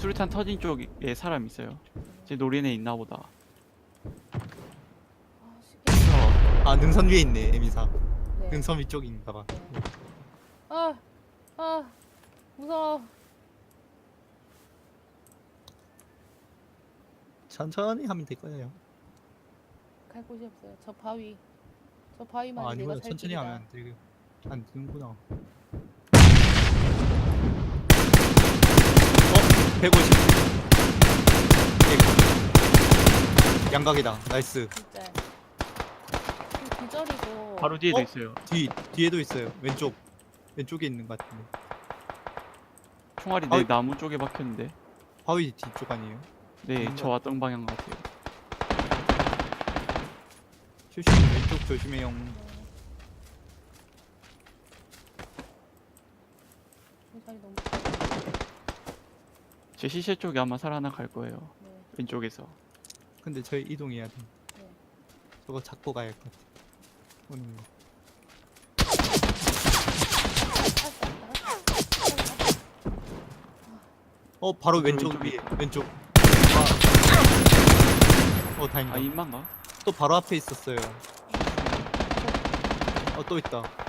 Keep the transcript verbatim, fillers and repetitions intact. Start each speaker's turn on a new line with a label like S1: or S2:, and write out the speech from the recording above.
S1: 수류탄 터진 쪽에 사람 있어요. 제 노린에 있나 보다.
S2: 아, 쉽게.
S3: 아 능선 위에 있네 에미사.
S2: 네.
S3: 능선 위쪽인가봐.
S2: 네. 아, 아, 무서워.
S3: 천천히 하면 될 거예요.
S2: 갈 곳이 없어요. 저 바위. 저 바위만
S3: 아,
S2: 내가
S3: 아니구나.
S2: 살
S3: 천천히
S2: 길이다.
S3: 하면 안 되게 안 되는구나. 어? 백오십. 백. 양각이다. 나이스.
S2: 진짜. 그 기절이고.
S1: 바로 뒤에도
S3: 어?
S1: 있어요.
S3: 뒤 뒤에도 있어요. 왼쪽 왼쪽에 있는 것 같은데.
S1: 총알이
S3: 아이.
S1: 내 나무 쪽에 박혔는데.
S3: 바위 뒤쪽 아니에요?
S1: 네,
S3: 뭔가-
S1: 저 왔던 방향 같아요.
S3: 조심 왼쪽 조심해요.
S2: 자리 너무.
S1: 제 시체 쪽에 아마 살아나갈 거예요.
S2: 네.
S1: 왼쪽에서.
S3: 근데 저희 이동해야 돼.
S2: 네.
S3: 저거 잡고 가야 할 것 같아. 오는 거. 어 바로
S1: 그
S3: 왼쪽
S1: 왼쪽에
S3: 위에
S1: 있다.
S3: 왼쪽. 아. 어 다행이다.
S1: 아, 인만가?
S3: 또 바로 앞에 있었어요. 어 또 있다.